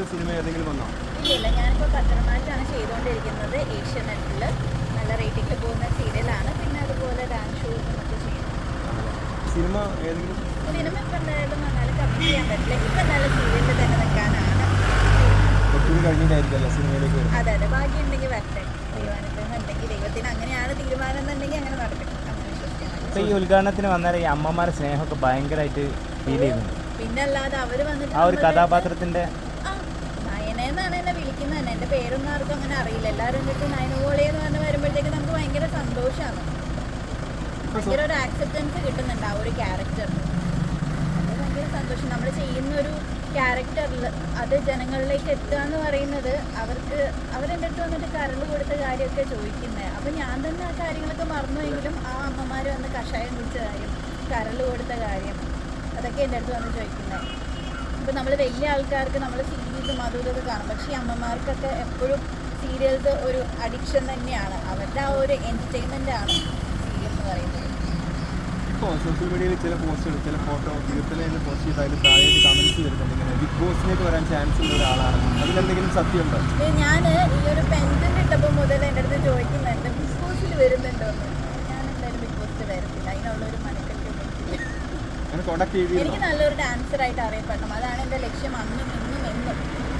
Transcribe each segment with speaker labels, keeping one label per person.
Speaker 1: Cinema ഏതെങ്കിലും വന്നോ?
Speaker 2: ഇല്ല, ഞാനിപ്പോൾ പത്രമാറ്റാണ് ചെയ്തുകൊണ്ടിരിക്കുന്നത്. ഏഷ്യാനെറ്റിൽ നല്ല റേറ്റിംഗിൽ പോകുന്ന സീരിയലാണ്. പിന്നെ അതുപോലെ ഡാൻസ് ഷോസും ഒക്കെ ചെയ്യുന്നു.
Speaker 1: സിനിമ ഏതെങ്കിലും
Speaker 2: സിനിമ ഇപ്പം എന്തായാലും വന്നാലും കമ്മിറ്റ് ചെയ്യാൻ പറ്റില്ല. ഇപ്പം നല്ല സീരിയലിൽ തന്നെ നിൽക്കാനാണ്.
Speaker 1: കുറച്ചുകൂടി കഴിഞ്ഞിട്ടായിരിക്കുമല്ലോ സിനിമയിലേക്ക് വരുന്നത്.
Speaker 2: അതെ അതെ, ഭാഗ്യം ഉണ്ടെങ്കിൽ വരട്ടെ. ദൈവാനുഗ്രഹം ദൈവത്തിന് അങ്ങനെയാണ് തീരുമാനം എന്നുണ്ടെങ്കിൽ അങ്ങനെ നടക്കട്ടെ. അങ്ങനെ വിശ്വസിക്കാൻ.
Speaker 3: ഇപ്പൊ ഈ ഉദ്ഘാടനത്തിന് വന്നാൽ ഈ അമ്മമാരുടെ സ്നേഹമൊക്കെ ഭയങ്കരമായിട്ട് ഫീൽ ചെയ്യുന്നുണ്ട്.
Speaker 2: പിന്നെ അല്ലാതെ അവര് വന്നിട്ട്
Speaker 3: ആ ഒരു കഥാപാത്രത്തിന്റെ
Speaker 2: നയനെന്നാണ് എന്നെ വിളിക്കുന്നത് തന്നെ. എൻ്റെ പേരൊന്നും ആർക്കും അങ്ങനെ അറിയില്ല. എല്ലാവരും കിട്ടി നയനോളി എന്ന് പറഞ്ഞ് വരുമ്പോഴത്തേക്ക് നമുക്ക് ഭയങ്കര സന്തോഷമാണ്. ഭയങ്കര ഒരു ആക്സെപ്റ്റൻസ് കിട്ടുന്നുണ്ട് ആ ഒരു ക്യാരക്ടറിന്. അത് ഭയങ്കര സന്തോഷം. നമ്മൾ ചെയ്യുന്ന ഒരു ക്യാരക്ടറിൽ അത് ജനങ്ങളിലേക്ക് എത്തുക എന്ന് പറയുന്നത് അവരെൻ്റെ അടുത്ത് വന്നിട്ട് കരൾ കൊടുത്ത കാര്യമൊക്കെ ചോദിക്കുന്നത്. അപ്പം ഞാൻ തന്നെ ആ കാര്യങ്ങളൊക്കെ മറന്നുവെങ്കിലും ആ അമ്മമാർ വന്ന് കഷായം കുടിച്ച കാര്യം, കരൾ കൊടുത്ത കാര്യം, അതൊക്കെ എൻ്റെ അടുത്ത് വന്ന് ചോദിക്കുന്നത്. ഇപ്പം നമ്മൾ വലിയ ആൾക്കാർക്ക് നമ്മൾ സീരീസും അതും ഇതൊക്കെ കാണും. പക്ഷേ ഈ അമ്മമാർക്കൊക്കെ എപ്പോഴും സീരിയൽസ് ഒരു അഡിക്ഷൻ തന്നെയാണ്. അവരുടെ ആ ഒരു എൻ്റർടൈൻമെൻ്റ് ആണ് സീരിയൽ എന്ന് പറയുന്നത്.
Speaker 1: ഇപ്പോൾ സോഷ്യൽ മീഡിയയിൽ ചില പോസ്റ്റുകൾ, ചില ഫോട്ടോ തീർത്തല എന്ന് പോസ്റ്റ് ചെയ്ത് അതിൽ താഴെയായിട്ട് കമൻറ്റ്സ് വരുന്നുണ്ട്. ഇങ്ങനെ ബിഗ് ബോസിലേക്ക് വരാൻ ചാൻസ് ഉള്ള ഒരാളാണ്. അതിലെന്തെങ്കിലും സത്യമുണ്ടോ?
Speaker 2: ഞാൻ ഈ ഒരു പെൻഡൻ്റ് ഇട്ടപ്പോൾ മുതൽ എൻ്റെ അടുത്ത് ചോദിക്കുന്നുണ്ട് ബിഗ് ബോസിൽ വരുന്നുണ്ടോ എന്ന്. ഞാൻ എന്തായാലും ബിഗ് ബോസിൽ വരത്തില്ല. അതിനുള്ളൊരു മനക്കെട്ടൊന്നും
Speaker 1: അങ്ങനെ കോൺടാക്ട് ചെയ്തിരുന്നോ?
Speaker 2: എനിക്ക് നല്ലൊരു ഡാൻസറായിട്ട് അറിയപ്പെടണം. അതാണ് എൻ്റെ ലക്ഷ്യം അന്നും ഇന്നും എന്നും.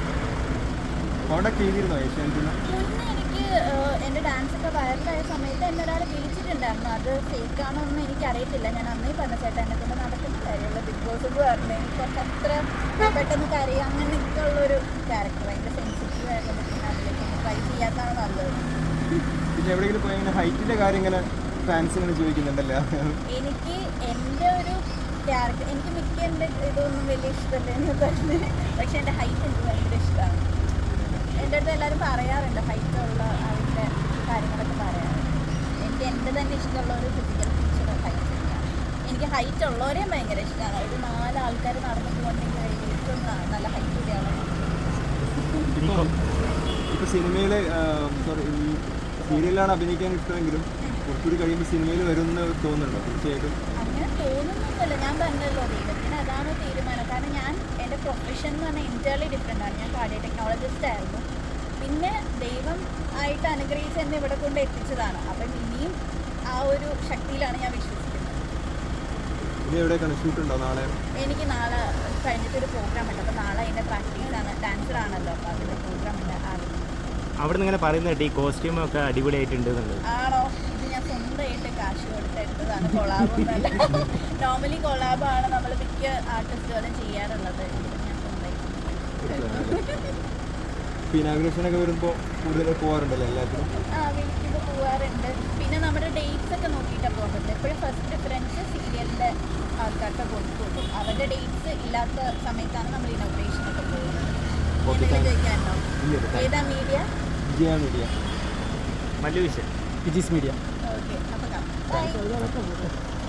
Speaker 1: കോൺടാക്ട് ചെയ്തിരുന്നോ ഏഷ്യാനെറ്റിൽ?
Speaker 2: മുന്നേ എനിക്ക് എൻ്റെ ഡാൻസൊക്കെ വൈറലായ സമയത്ത് എന്നെ ഒരാൾ വിളിച്ചിട്ടുണ്ടായിരുന്നു. അത് ഫേക്കാണോ ഒന്നും എനിക്കറിയത്തില്ല. ഞാൻ അന്നേ പറഞ്ഞ ചേട്ടാ എന്നെ കൊണ്ട് നടക്കുന്ന കാര്യമുള്ള ബിഗ് ബോസ് എന്ന് പറഞ്ഞു. എനിക്ക് അത്ര പെട്ടെന്ന് കരയുക അങ്ങനെയൊക്കെ ഉള്ളൊരു ക്യാരക്ടർ. ഭയങ്കര സെൻസിറ്റീവ് ആയിരുന്നു. പിന്നെ അതിലേക്ക് ട്രൈ ചെയ്യാത്തതാണ് നല്ലത്.
Speaker 1: പിന്നെ എവിടെയെങ്കിലും പോയി ഇങ്ങനെ ഹൈറ്റിൻ്റെ കാര്യം ഇങ്ങനെ ഫാൻസ് ഇങ്ങനെ ചോദിക്കുന്നുണ്ടല്ലോ.
Speaker 2: എനിക്ക് എൻ്റെ ഒരു ക്യാരക്ടർ എനിക്ക് മിക്ക എൻ്റെ ഇതൊന്നും വലിയ ഇഷ്ടമല്ല എന്ന് പറഞ്ഞ്. പക്ഷെ എൻ്റെ ഹൈറ്റ് എനിക്ക് ഭയങ്കര ഇഷ്ടമാണ്. എൻ്റെ അടുത്ത് എല്ലാവരും പറയാറുണ്ട് ഹൈറ്റുള്ള അതിൻ്റെ കാര്യങ്ങളൊക്കെ പറയാറുണ്ട്. എനിക്ക് എൻ്റെ തന്നെ ഇഷ്ടമുള്ള ഒരു ഫിസിക്കൽ ഫീച്ചർ ഹൈറ്റ് തന്നെയാണ്. എനിക്ക് ഹൈറ്റ് ഉള്ളവരെയും ഭയങ്കര ഇഷ്ടമാണ്. ഒരു 4 ആൾക്കാർ നടന്നു പോകുന്നെങ്കിൽ ഏറ്റവും നല്ല ഹൈറ്റ് കൂടിയാണ്.
Speaker 1: ഇപ്പോൾ സിനിമയിൽ സോറി ഈ സീരിയലാണ് അഭിനയിക്കാൻ ഇഷ്ടമെങ്കിലും കുറച്ചുകൂടി കഴിയുമ്പോൾ സിനിമയിൽ വരുമെന്ന് തോന്നുന്നുണ്ടോ? തീർച്ചയായിട്ടും
Speaker 2: അങ്ങനെ തോന്നുന്നൊന്നുമില്ല. ഞാൻ പറഞ്ഞല്ലോ ദൈവത്തിന് അതാണ് തീരുമാനം. കാരണം ഞാൻ എൻ്റെ പ്രൊഫഷൻ എന്ന് പറഞ്ഞാൽ എൻറ്റയർലി ഡിഫറെൻ്റ് ആണ്. ഞാൻ കാർഡിയോ ടെക്നോളജിസ്റ്റ് ആയിരുന്നു. പിന്നെ ദൈവം ആയിട്ട് അനുഗ്രഹിച്ച് എന്നെ ഇവിടെ കൊണ്ട് എത്തിച്ചതാണ്. അപ്പം ഇനിയും ആ ഒരു ശക്തിയിലാണ് ഞാൻ വിശ്വസിക്കുന്നത്.
Speaker 1: ഇനി എവിടെയൊക്കെയാണ് ഷൂട്ടുണ്ടോ നാളെ?
Speaker 2: എനിക്ക് നാളെ കഴിഞ്ഞിട്ടൊരു പ്രോഗ്രാം ഉണ്ട്. അപ്പോൾ നാളെ അതിൻ്റെ പ്രാക്ടീസാണ്. ഡാൻസറാണല്ലോ, അപ്പോൾ അതിൻ്റെ പ്രോഗ്രാം ഉണ്ട്.
Speaker 3: അവിടെ നിന്ന് ഇങ്ങനെ പറയുന്നത് ഈ കോസ്റ്റ്യൂമൊക്കെ അടിപൊളിയായിട്ടുണ്ട് എന്നുള്ളത്
Speaker 2: ആണോ? ഇത് ഞാൻ സ്വന്തമായിട്ട് കാശ് കൊടുത്തെടുത്തതാണ്. കൊളാബൊന്നുമല്ല. നോർമലി കൊളാബാണ് നമ്മൾ മിക്ക ആർട്ടിസ്റ്റുകളും ചെയ്യാറുള്ളത്. ഞാൻ സ്വന്തമായിട്ട്
Speaker 1: ഇനാഗുറേഷനൊക്കെ വരുമ്പോൾ കൂടുതൽ പോകാറുണ്ടല്ലോ എല്ലാത്തിനും?
Speaker 2: വിളിക്കുമ്പോൾ പോകാറുണ്ട്. പിന്നെ നമ്മുടെ ഡേറ്റ്സ് ഒക്കെ നോക്കിയിട്ടാണ് പോകാൻ പറ്റില്ല. എപ്പോഴും ഫസ്റ്റ് പ്രിഫറൻസ് സീരിയലിൻ്റെ ആൾക്കാർക്ക് കൊടുക്കുള്ളൂ. അവരുടെ ഡേറ്റ്സ് ഇല്ലാത്ത സമയത്താണ് നമ്മൾ ഇനോഗ്രേഷനൊക്കെ പോകുന്നത്. ചോദിക്കാനുണ്ടോ? ഏതാ മീഡിയ?
Speaker 1: വിജയ മീഡിയ.
Speaker 3: വലിയ വിഷയം
Speaker 1: വിജീസ് മീഡിയ.
Speaker 2: ഓക്കെ, അപ്പോൾ കാണാം.